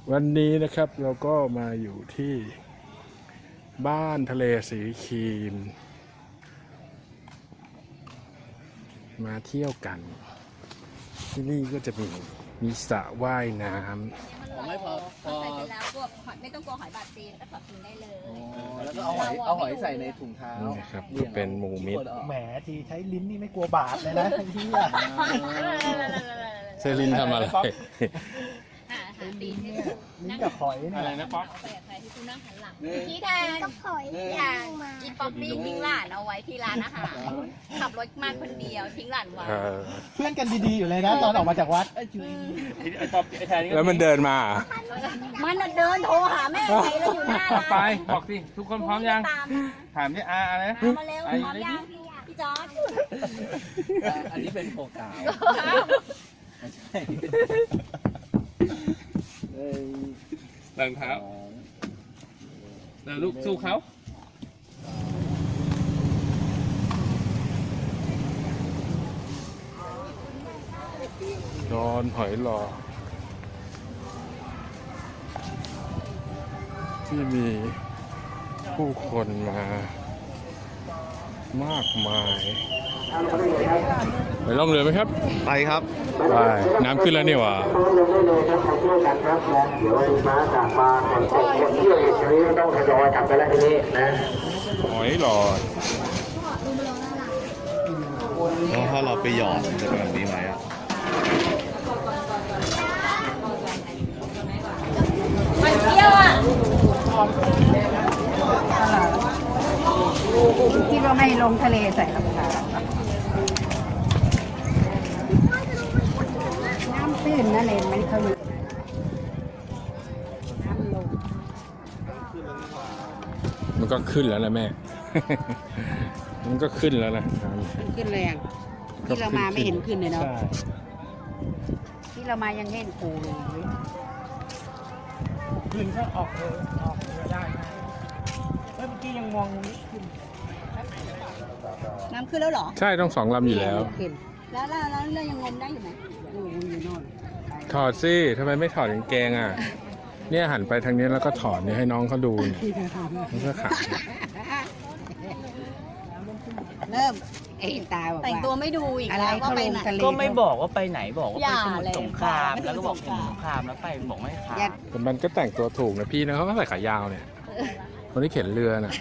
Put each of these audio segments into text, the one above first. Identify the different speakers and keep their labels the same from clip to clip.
Speaker 1: วันนี้นะครับเราก็มาอยู่ที่บ้านทะเลสีครีมมาเที่ยวกันที่นี่ก็จะมีสระว่ายน้ำ
Speaker 2: ไม่พอ
Speaker 3: ใส่เสร็จแล้วพวกหอยไม่ต้องกลัวหอยบาดตีนก็ถอดทิ้งได้เลย
Speaker 2: แล้วก็เอาหอยใส่ในถุงเท้า
Speaker 1: นี่นะครับก็เป็นหมูมิตร
Speaker 4: แหมทีใช้ลิ้นนี่ไม่กลัวบาดเลยนะที่
Speaker 1: เซรินทำอะไร
Speaker 3: ตีน
Speaker 4: เนี่ยลิ้นกับหอยเนี่ย
Speaker 1: อะไรนะป๊อป
Speaker 3: ใส่ใครที่กูนั่งหันหลังพี่แทนกับหอยอีป๊อปปี้ทิ้งหลานเอาไว้ที่ร้านอาหารขับรถมาคนเดียวทิ้งหลานไว้
Speaker 4: เพื่อนกันดีๆอยู่เลยนะตอนออกมาจากวัด
Speaker 1: แล้วมันเดินมา
Speaker 3: มันเดินโทรหาแม่ใครแล้วอยู่หน้าร้าน
Speaker 5: ไปบอกสิทุกคนพร้อมยัง
Speaker 3: ตาม
Speaker 5: ถามที่อะไรนะ
Speaker 3: มาเร็วพร้อมยังพี่จอร์จ
Speaker 2: อันนี้เป็นโอกาสไม่ใช่
Speaker 5: หลังเท้าแล้วลูกสู้เขา
Speaker 1: นอนหอยหลอที่มีผู้คนมามากมายไปล่องเรือไหมครับ
Speaker 2: ไปครับ
Speaker 1: ไปน้ำขึ้นแล้วนี่หว่า
Speaker 6: ลงได้เลยครับใครเที่ยวกันครับนะเดี๋ยวม้ากลับมาคนเที่ยวอีกทีนี้ต้องทยอยกลับไปแล้วทีนี้นะ
Speaker 1: หอยหลอด
Speaker 2: แล้วถ้าเราไปหยอดมันจะเป็นแบบนี้ไหมอ่ะ
Speaker 3: มันเที่ยวอ่ะ
Speaker 7: คิดว่าไม่ลงทะเลใส่รองเท้าน้ำตื้นนะเลนมันเขาอยู่น้ำลง
Speaker 1: มันก็ขึ้นแล้วนะแม่ มันก็ขึ้นแล้วนะ
Speaker 7: มันขึ้นแรงที่เรามาไม่เห็นขึ้นเลยเนาะที่เรามายังเห็นปูเลย
Speaker 4: ขึ้นก็ออกเรือได้นะเมื่อกี้ยังมองนี้ขึ้น
Speaker 3: น้ำขึ้นแล้วเหรอ
Speaker 1: ใช่ต้อง2 ลำอยู่แล้ว
Speaker 7: ขึ้น
Speaker 3: แล้วเรายังงมได้อยู่ไหม
Speaker 7: อยู่โน่น
Speaker 1: ถอดสิทำไมไม่ถอดกางเกงอ่ะ เนี่ยหันไปทางนี้แล้วก็ถอดเนี่ยให้น้องเขาดูมันก็ขาด
Speaker 3: เริ่ม
Speaker 7: ไอ้ตาบอก
Speaker 3: แต่ง
Speaker 7: ว่า
Speaker 3: ตัวไม่ดูอีก
Speaker 7: อะไร
Speaker 3: แล้วก็
Speaker 7: เขา
Speaker 3: ไป
Speaker 7: ลง
Speaker 3: ไหน
Speaker 7: ทะเล
Speaker 5: ก็ไม่บอกว่าไปไหนบอกว่า
Speaker 3: อ
Speaker 5: ไป
Speaker 3: ย่า
Speaker 5: สมุท
Speaker 3: เลย
Speaker 5: รสงคราม
Speaker 3: ไม่
Speaker 5: แล้วก็บอก
Speaker 3: สมุทรสงคราม
Speaker 5: สมุทรสงครามแล้วไปบอกไม่ขาด
Speaker 1: แต่มันก็แต่งตัวถูกนะพี่นะเขาก็ใส่ขายาวเนี่ย คนที่เข็นเรือน่ะ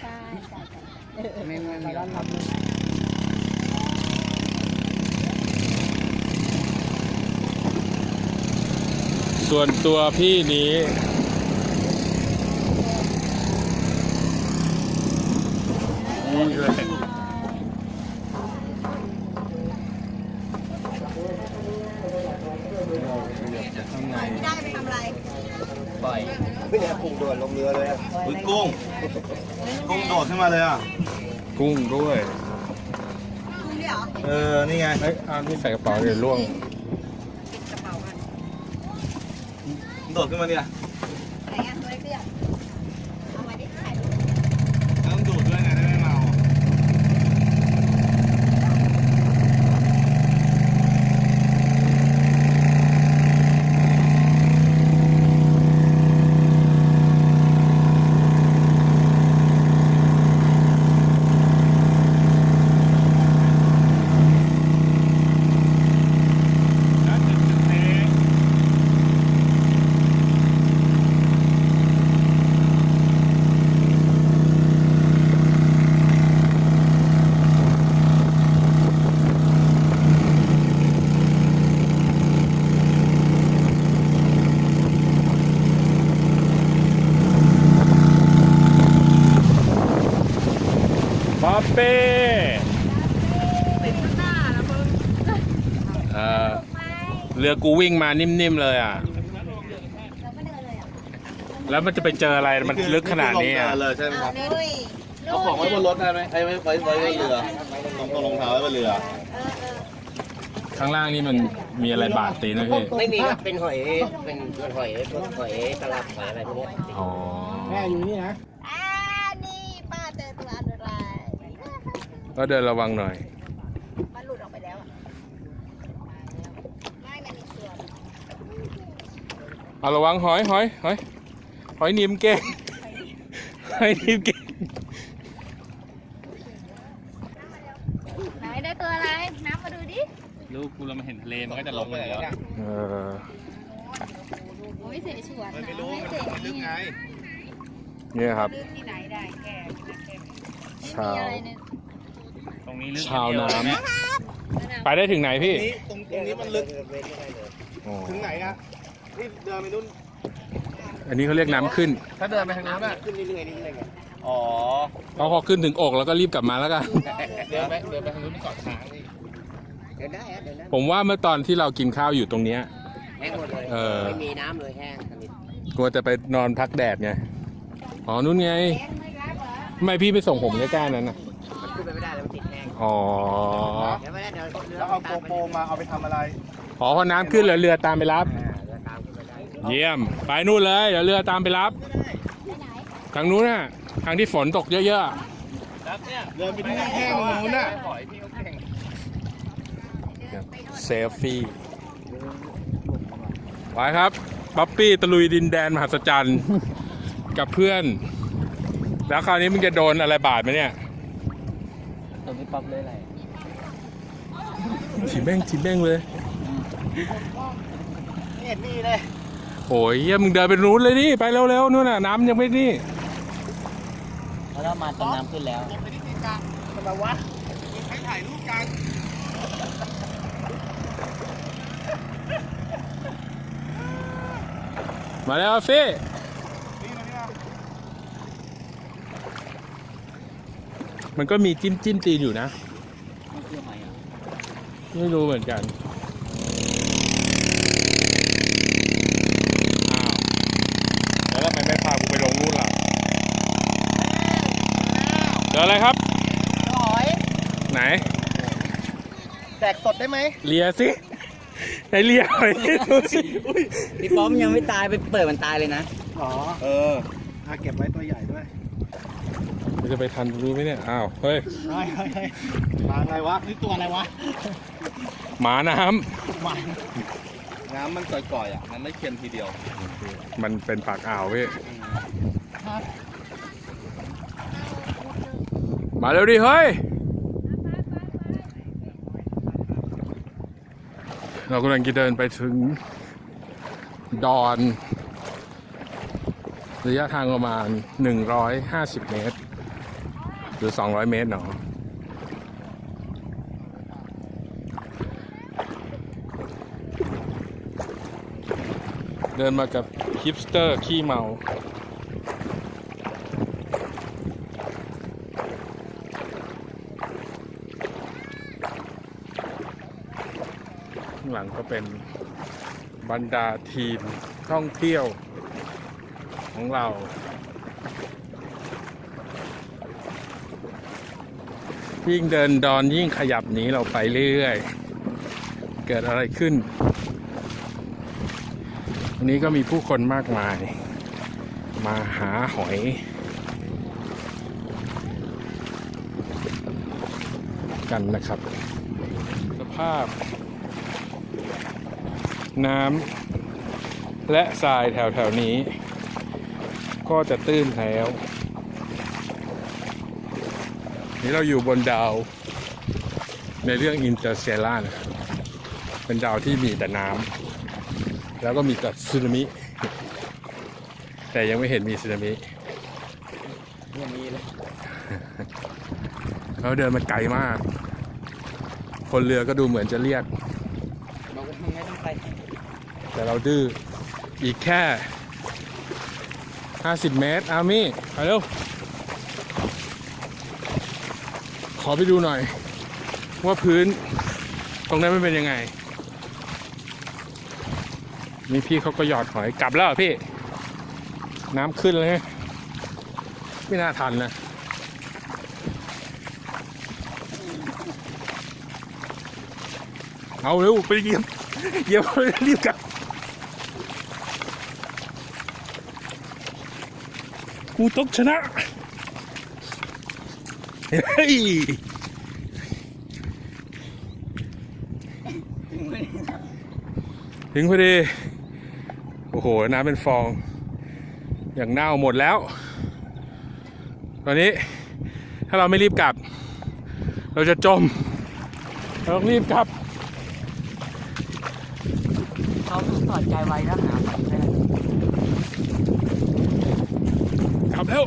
Speaker 1: ส่วนตัวพี่นี้นี่เลย
Speaker 3: ไม่ได้ไปทำอะไร
Speaker 5: ปล่อย
Speaker 2: ไม่ได้กุ้งโดดลงเรือเลยอ่ะกุ้งโดดขึ้นมาเลยอ่ะ
Speaker 1: กุ้งด้วย
Speaker 3: คุณด้วยเหรอ
Speaker 2: นี่ไง
Speaker 1: เอ้ยเอานี่ใส่กระเป๋าเดี๋ยวล่วง
Speaker 2: โดดขึ้นมาเนี่ย
Speaker 3: ไหนอ่ะตัวเล็กเตี้ยเอามาดิถ่าย
Speaker 2: ต้องดูดด้วยไงได้ไม่เมา
Speaker 1: ป๊อปปี้
Speaker 3: ติดข้างหน้าแล้วมึง
Speaker 1: เรือกูวิ่งมานิ่มๆเลยอ่ะ
Speaker 3: เราก็เดินเลยอ่ะ
Speaker 1: แล้วมันจะไปเจออะไรมันลึกขนาดนี้อ่ะ
Speaker 2: เลยใช่ไหมครับ
Speaker 3: นุ้ย
Speaker 2: เอาของไว้บนรถได้ไหมไอ้ไว้บนเรือต้องรองเท้าไว้บนเรือ
Speaker 1: ข้างล่างนี่มันมีอะไรบาดตีนนะพี่
Speaker 8: ไม่มีครับ เป็นหอย เป็นหอยพวกหอยตลับหอยอะไรพวกเนี้ย
Speaker 1: อ๋อ
Speaker 4: แม่อยู่นี่นะ
Speaker 3: นี่ป้าเจอตัวอันตราย
Speaker 1: ก็เดินระวังหน่อย
Speaker 3: มันหลุดออกไปแล้วอ่ะไม่มันมีเชือก
Speaker 1: ไปเอาระวังหอยหนีมเก่งหอยหนีมเก่ง
Speaker 3: ไหนได้ตัวอะไรน้ำมาดูดิ
Speaker 5: ลูกกูเรามาเห็นทะเลมันก็จะลงไปแล้ว
Speaker 3: โอ้ยเสฉวน
Speaker 2: ไม่รู้
Speaker 3: ไม่
Speaker 2: มัน
Speaker 3: เส
Speaker 2: ไม่ลึกไง
Speaker 1: เนี่ยครับ
Speaker 7: ลึกที่ไหนได้แค่
Speaker 1: ชาว
Speaker 3: อะไรเนี่ย
Speaker 5: ตรงนี้ลึก
Speaker 1: ชาวน้
Speaker 5: เดีย
Speaker 1: ำไปได้ถึงไหนพี่
Speaker 2: ตรงนี้มันลึก
Speaker 1: อ๋อ
Speaker 2: ถึงไหนอะนี่เดินไปนู่น
Speaker 1: อันนี้เขาเรียกน้ำขึ้น
Speaker 5: ถ้าเดินไปทางนู้นอะ
Speaker 8: ขึ้นเรื่อยๆไง
Speaker 2: อ๋อ
Speaker 1: พอขึ้นถึงอกแล้วก็รีบกลับมาแล้วกัน
Speaker 5: เดินไปทางนู้นไปเกาะช้างนี่
Speaker 8: เดินได้ฮะเดินได้
Speaker 1: ผมว่าเมื่อตอนที่เรากินข้าวอยู่ตรงเนี้ย
Speaker 8: แห้งหมดเลย
Speaker 1: เออ
Speaker 8: ไม่มีน้ำเลยแห้งสนิท
Speaker 1: กลัวจะไปนอนพักแดดไง อ๋อนู่นไงทำไมพี่ไปส่งผมใกล้ๆนั้นน่ะ
Speaker 8: มันขึ้นไปไม่ได้แล้วมันติดแห้ง
Speaker 1: อ๋อ
Speaker 8: เดี๋ยวไม่ได้เดี๋ยวเรือ
Speaker 2: แล้วเอาโกโปรมาเอาไปทำอะไร
Speaker 1: อ๋อพอน้ำขึ้นแล้วเรือตามไปรับ
Speaker 8: เรือตามขึ้นไปได้
Speaker 1: เยี่ยม ไปนู่นเลย เดี๋ยวเรือตามไปรับ ทางนู้นน่ะ ทางที่ฝนตกเยอะ
Speaker 2: เดินไปที่แห้งๆนู้นน่ะ
Speaker 5: หอยพี่เขาเก่ง
Speaker 1: ๆเซลฟี่ไปครับป๊อปปี้ตะลุยดินแดนมหัศจรรย์ กับเพื่อน แล้วคราวนี้มึงจะโดนอะไรบาดไหมเนี่ย
Speaker 8: ตรงนี้ป๊อปเลยอะไร
Speaker 1: ถีบแม่งเลย
Speaker 2: ไม่เห็นมีเลย
Speaker 1: โอ้ยเหี้ยมึงเดินไปนู้นเลยนี่ ไปเร็วๆนู่นน่ะ น้ำยังไม่นี่
Speaker 8: เพราะเรามาตอนน้ำขึ้นแล้ว
Speaker 2: ไปที่ตีนกลางทำไมวะมีใครถ่ายรูปกัน
Speaker 1: มาแล้วฟี่
Speaker 2: นี่มานี่มา
Speaker 1: มันก็มีจิ้มตีนอยู่นะ ไม่รู้เหมือนกัน อ้าว แล้วทำไมไม่พากูไปลงนู่นล่ะเจออะไรครับ
Speaker 2: หอย
Speaker 1: ไหน
Speaker 2: แดกสดได้ไหม
Speaker 1: เลียสิไหนเลียหน่อยดูสิ
Speaker 8: พี่ป๊อปยังไม่ตายไปเปิดมันตายเลยนะ
Speaker 2: อ๋อ เออเก็บไว้ตัวใหญ่ด้วย
Speaker 1: มันจะไปทันรู้ไหมเนี่ย อ้าว เฮ้ย
Speaker 2: เฮ้ยมาไงวะ นี่ตัวอะไรวะ
Speaker 1: หมาน้
Speaker 2: น้ำมันก่อยๆอ่ะ มันไม่เค็มทีเดียว
Speaker 1: ำ มันเป็นปากอ่าวพี่ มาเร็วดิ เฮ้ย เรากำลังจะเดินไปถึงดอน ระยะทางประมาณ 150 เมตร หรือ 200 เมตรเนาะเดินมากับฮิปสเตอร์ขี้เมาข้างหลังก็เป็นบรรดาทีมท่องเที่ยวของเรา ยิ่งเดินดอนยิ่งขยับหนีเราไปเรื่อยๆ เกิดอะไรขึ้น วันนี้ก็มีผู้คนมากมาย มาหาหอย กันนะครับ สภาพ น้ำและทรายแถวๆนี้ ก็จะตื้นแล้ว นี่เราอยู่บนดาวในเรื่องอินเตอร์สเตลล่านะครับเป็นดาวที่มีแต่น้ำแล้วก็มีแต่สึนามิ แต่ยังไม่เห็นมีสึนามิยังมีเลยเขาเดินมาไกลมาก คนเรือก็ดูเหมือนจะเรียก
Speaker 8: บอกว่าไม่ต้องไป
Speaker 1: แต่เราดื้ออีกแค่ 50 เมตร อามี่ไปเร็ว ขอไปดูหน่อย ว่าพื้นตรงนั้นมันเป็นยังไง นี่พี่เขาก็หยอดหอยกลับแล้วเหรอพี่ น้ำขึ้นเลยไม่น่าทันนะ เอาเร็วไปเหยียบรีบกลับ กูต้องชนะ เฮ้ย ถึงพอดีอ้โหน้ำเป็นฟอง อย่างเน่าหมดแล้ว ตอนนี้ถ้าเราไม่รีบกลับ เราจะจม เราต้องรีบกลับ
Speaker 7: เขาถอดใจไว้แล้วหาผมได้
Speaker 1: กลับแล้ว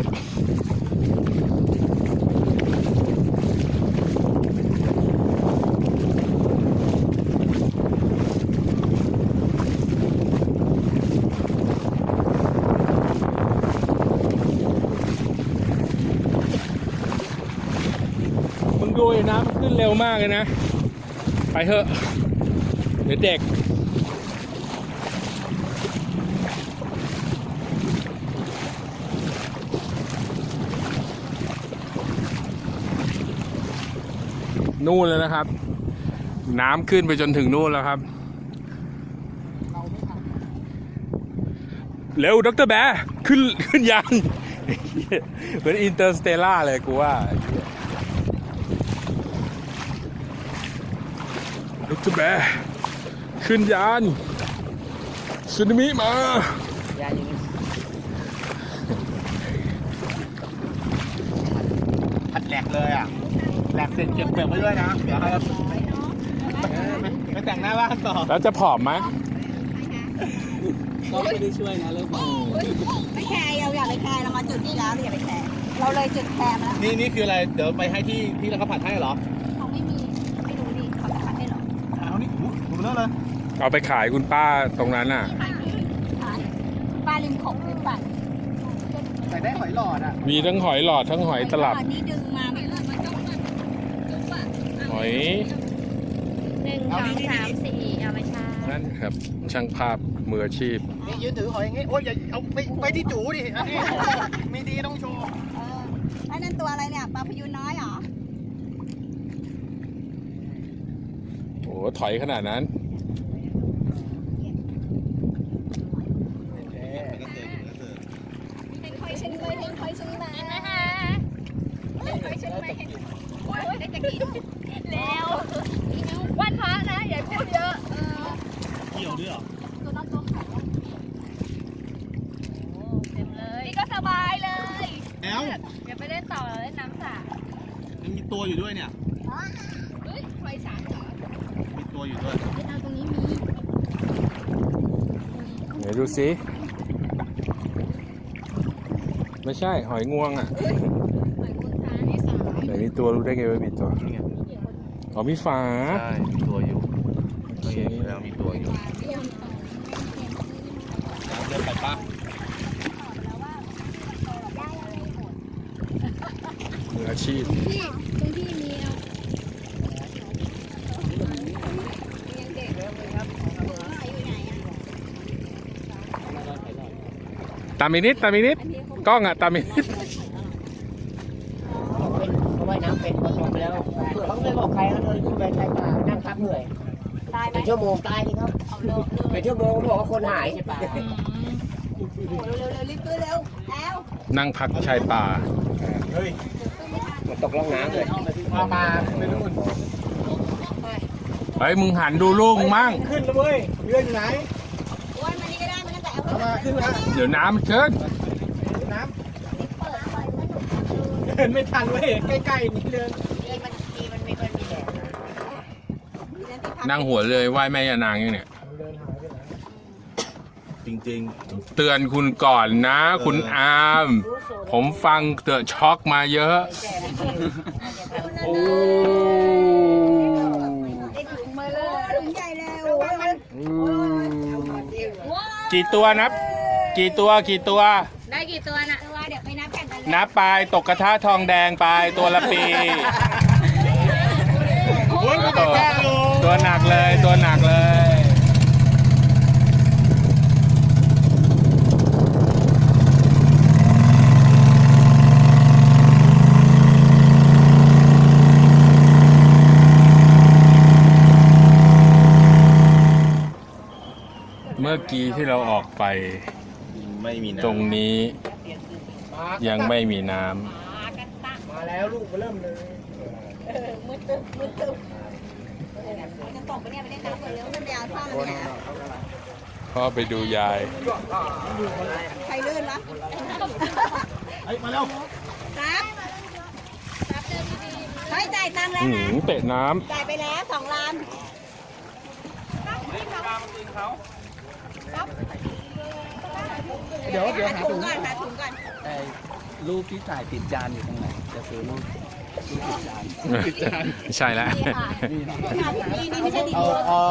Speaker 1: มึงดูไอ้น้ำมันขึ้นเร็วมากเลยนะ ไปเถอะ เดี๋ยวเด็ก นู่นเลยนะครับ น้ำขึ้นไปจนถึงนู่นแล้วครับ เร็วดร.แบร์ขึ้นยานเหมือนอินเตอร์สเตลล่าเลยกูว่าดร.แบร์ขึ้นยานสึนามิมา
Speaker 8: ยาอย่างนี้
Speaker 4: พัดแหลกเลยอ่ะแหลกเสร็จเก็บเปลือกไว้ด้วยนะเดี๋ยวให้เราไปแต่งหน้าบ้านต่อ
Speaker 1: แล้วจะผอมไหม
Speaker 4: ก็ไม่ได้ช่วยนะเลิกบอก
Speaker 3: ไม่แคร์เราอยากไปแคร์เรามาจุดนี้แล้วเราอย่าไปแคร์เราเลยจุดแคร์มาแล้ว
Speaker 4: นี่คืออะไรเดี๋ยวไปให้ที่แล้วเขาผัดให้เหรอ
Speaker 3: เขาไม่มีไม่รู้ดิเขาจะทำให้หรอ
Speaker 4: เอานี่ดูเลิกเลย
Speaker 1: เอาไปขายคุณป้าตรงนั้นน่ะ
Speaker 3: ปลาริมโขงริมฝั่ง
Speaker 4: ใส่ได้หอยหลอดอ่ะ
Speaker 1: มีทั้งหอยหลอดทั้งหอยตลับ
Speaker 3: นี่ดึงมาไม่เลิกมันต้องมันจุ๊บอ่ะ
Speaker 1: หอย
Speaker 3: 1 2 3 4เอาไปชา
Speaker 1: นั่นครับ ช่างภาพมืออาชีพ
Speaker 4: นี่ยืนถือหอยอย่างงี้โอ้ยอย่าเอาไปที่จูดิอันนี้มีดีต้องโชว์
Speaker 3: ไอ้นั่นตัวอะไรเนี่ยปลาพยูนน้อยเหรอ
Speaker 1: โอ้ถอยขนาดนั้น
Speaker 3: เป็นคอยชนิดเป็นคอยชนิดมานะคะเป็นคอยชนิดมาเห็นโอ้ยได้จะกินแล้ววันพระนะอย่าพูดเยอะ
Speaker 4: เกี่ยวด้วยเหรอ
Speaker 3: ตัวน้องตัวขาวเต็มเลยนี่ก็สบายเลย
Speaker 4: แล้ว
Speaker 3: อย่าไปเล่นต่อเล่นน้ำสระ
Speaker 4: มันมีตัวอยู่ด้วยเนี่ย
Speaker 3: เฮ้ยไฟสารเหรอ
Speaker 4: มีตัวอยู่ด้วย
Speaker 3: เอาตรงนี้มี
Speaker 1: เดี๋ยวดูสิไม่ใช่หอยงวงอ่ะ
Speaker 3: หอยกุนตาในสาย
Speaker 1: ไหนมีตัวรู้ได้ไงว่ามีตัว
Speaker 4: นี่ไง
Speaker 1: อ๋อมีฝา
Speaker 2: ใช่มีตัวอยู่
Speaker 1: โอเค
Speaker 2: แล้วมีตัวอยู่
Speaker 4: เดินไปปะ
Speaker 1: มืออาชีพ
Speaker 3: ตรงที่มีเอายังเด็กอยู่ไหนอ่ะ
Speaker 1: ตามอีกนิดกล้องอ่ะตามอีกนิด
Speaker 8: เขาว่ายน้ำเป็นก็จมแล้วเผื่อเขาไม่บอกใครเขาเดินขึ้นไปชายป่านั่งพักเหนื่อย
Speaker 3: ตายไหม
Speaker 8: เป็นชั่วโมงตายนี่ครับ
Speaker 3: เอาเร็ว
Speaker 8: เป็นชั่วโมงเขาบอกว่าคนหายใช่ป่ะ
Speaker 3: เร็วรีบขึ้นเร็วแล้ว
Speaker 1: นั่งพักชายป่า
Speaker 4: เฮ้ย
Speaker 8: มันตกล่องน้ำเลย
Speaker 4: ปลาไปนู่น
Speaker 1: เฮ้ยมึงหันดูลูกมึงมั่ง
Speaker 4: ขึ้นแล้วเว้ยเรืออยู่ไหน
Speaker 3: อ้วนมานี่ก็ได้มันตั้งแต่เอา
Speaker 4: เอามาขึ้นมา
Speaker 1: เดี๋ยวน้ำมันขึ้น
Speaker 4: น้ำเดินไม่ทันเว้ยใกล้ๆนี่เดิน
Speaker 3: มันมีคนมีแดด
Speaker 1: นั่งหัวเลยไหว้แม่ยานางอย่างเนี่ย
Speaker 2: จริง
Speaker 1: เตือนคุณก่อนนะ คุณอาม ผมฟังเตอะช็อกมาเยอะ โอ้
Speaker 3: ได้ถุงมาเลยถุงใหญ่แล้ว
Speaker 1: กี่ตัวนับ กี่ตัว
Speaker 3: ได้กี่ตัวนะเดี๋ยวไปนับกันเลย
Speaker 1: นับไปตกกระทะทองแดงไปตัวละปี
Speaker 4: โอ้ยมันแก้ลง
Speaker 1: ตัวหนักเลยตัวหนักเลย เมื่อกี้ที่เราออกไป
Speaker 2: ๆ ไม่มีน้ำ
Speaker 1: ตรงนี้ยังไม่มีน้ำ
Speaker 4: มาแล้วลูกมาเริ่มเลย
Speaker 3: มืดตึ๊บจะตกไปเนี่ยไปเล่นน้ำก่อนเร็วมันไปเอาท่อมันไปไหน
Speaker 1: พ่อไปดูยาย
Speaker 7: ใครลื่นละ
Speaker 4: เฮ้ย มาเร็ว
Speaker 7: ครับเฮ้ยจ่ายตังค์แล้วนะ
Speaker 1: เตะน้
Speaker 7: จ่ายไปแล้ว2 ล้าน
Speaker 8: เดี๋ยว
Speaker 7: หา
Speaker 8: หา
Speaker 7: ถุ
Speaker 8: ถุ
Speaker 7: ง
Speaker 8: ง
Speaker 7: ก่อนหาถุงก่อน
Speaker 8: รูปที่ถ่ายติดจานอยู่ตรงไหน จะซื้อรูปติดจาน
Speaker 1: ำ ใช่แล้ว
Speaker 7: นี่ไม่ใช่ดี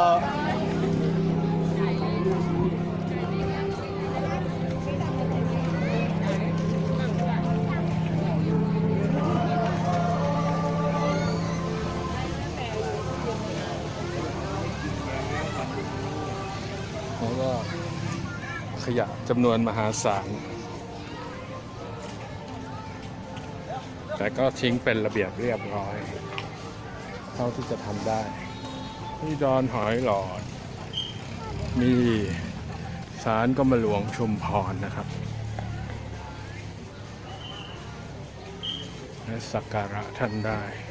Speaker 1: แล้วก็ขยะจำนวนมหาศาล แต่ก็ทิ้งเป็นระเบียบเรียบร้อย เท่าที่จะทำได้ที่ดอนหอยหลอด มีศาลกรมหลวงชุมพรนะครับ และสักการะท่านได้